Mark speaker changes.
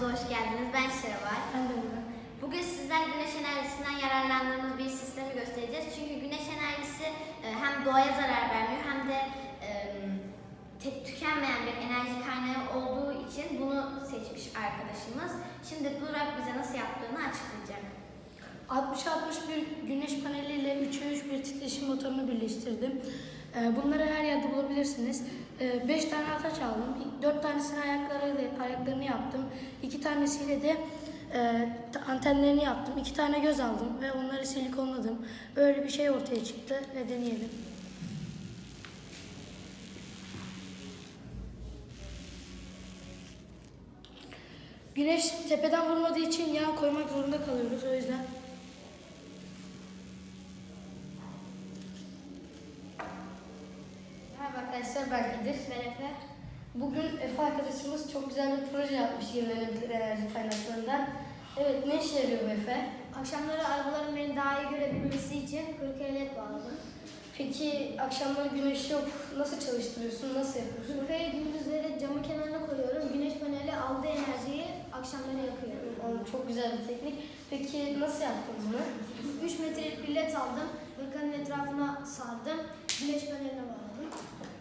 Speaker 1: kanalımıza hoş geldiniz. Ben Şevval.
Speaker 2: Ben de Murat.
Speaker 1: Bugün sizler güneş enerjisinden yararlandığımız bir sistemi göstereceğiz. Çünkü güneş enerjisi hem doğaya zarar vermiyor hem de tükenmeyen bir enerji kaynağı olduğu için bunu seçmiş arkadaşımız. Şimdi Burak bize nasıl yaptığını açıklayacak.
Speaker 2: 60-61 güneş paneliyle 3'e 3 bir titreşim motorunu birleştirdim. Bunları her yerde bulabilirsiniz. 5 tane ataç aldım. 4 tanesini ayaklarını yaptım. 2 tanesiyle de antenlerini yaptım. 2 tane göz aldım ve onları silikonladım. Böyle bir şey ortaya çıktı ve deneyelim. Güneş tepeden vurmadığı için yağ koymak zorunda kalıyoruz. O yüzden merhaba arkadaşlar, ben Kadir.
Speaker 1: Ben Efe.
Speaker 2: Bugün Efe arkadaşımız çok güzel bir proje yapmış yenilenebilir enerji kaynaklarından. Evet, ne işe yarıyor bu Efe?
Speaker 1: Akşamları arabaların beni daha iyi görebilmesi için 40 led bağladım.
Speaker 2: Peki akşamları güneş yok, nasıl çalıştırıyorsun, nasıl yapıyorsun?
Speaker 1: Kırkaya gündüzleri camı kenarına koyuyorum. Güneş paneli aldığı enerjiyi akşamları yakıyor.
Speaker 2: Çok güzel bir teknik. Peki nasıl yaptın bunu?
Speaker 1: 3 metrelik bir led aldım. Hırkanın etrafına sardım. Güneş paneline bağladım.